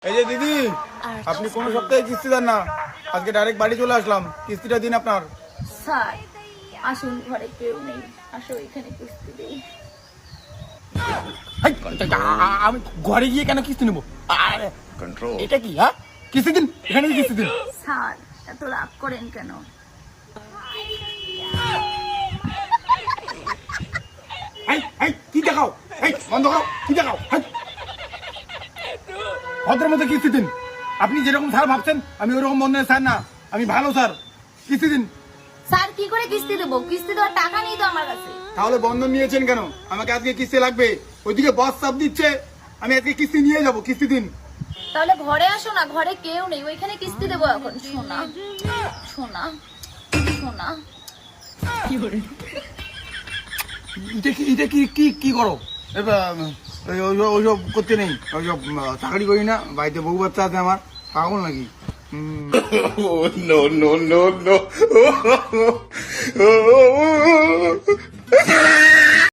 এই যে দিদি, আপনি কোন সপ্তাহে কিস্তি দেন না, আজকে ডাইরেক্ট বাড়ি চলে আসলাম, কিস্তিটা দিন আপনার। স্যার আসুন, ঘরে কেউ নেই, আসো এখানে কিস্তি দেই। আমি ঘরে গিয়ে কেন কিস্তি নেবো? এটা কি? হ্যাঁ, কিস্তি দিন, এখানে কিস্তি দিন। স্যার এত রাগ করেন কেন? কি দেখাও? বন্ধ করো, কি দেখাও? ভদ্র মতো কিস্তি দিন। আপনি যেরকম স্যার ভাবছেন আমি ওরকম বন্ধনের স্যার না, আমি ভালো স্যার। কিস্তি দিন। স্যার কি করে কিস্তি দেবো? কিস্তি দেওয়ার টাকা নেই তো আমার কাছে। তাহলে বন্ধন নিয়েছেন কেন? আমাকে আজকে কিস্তি লাগবে। ওইদিকে বস চাপ দিচ্ছে, আমি আজকে কিস্তি নিয়ে যাবো। কিস্তি দিন। তাহলে ঘরে আসো না, ঘরে কেউ নেই, ওইখানে কিস্তি দেবো এখন। সোনা সোনা সোনা, এটা কি করো? ওইসব করতে নেই, ওইসব চাকরি করি না, বাড়িতে বউ বাচ্চা আছে আমার, পাগল নাকি? no, no, no, no.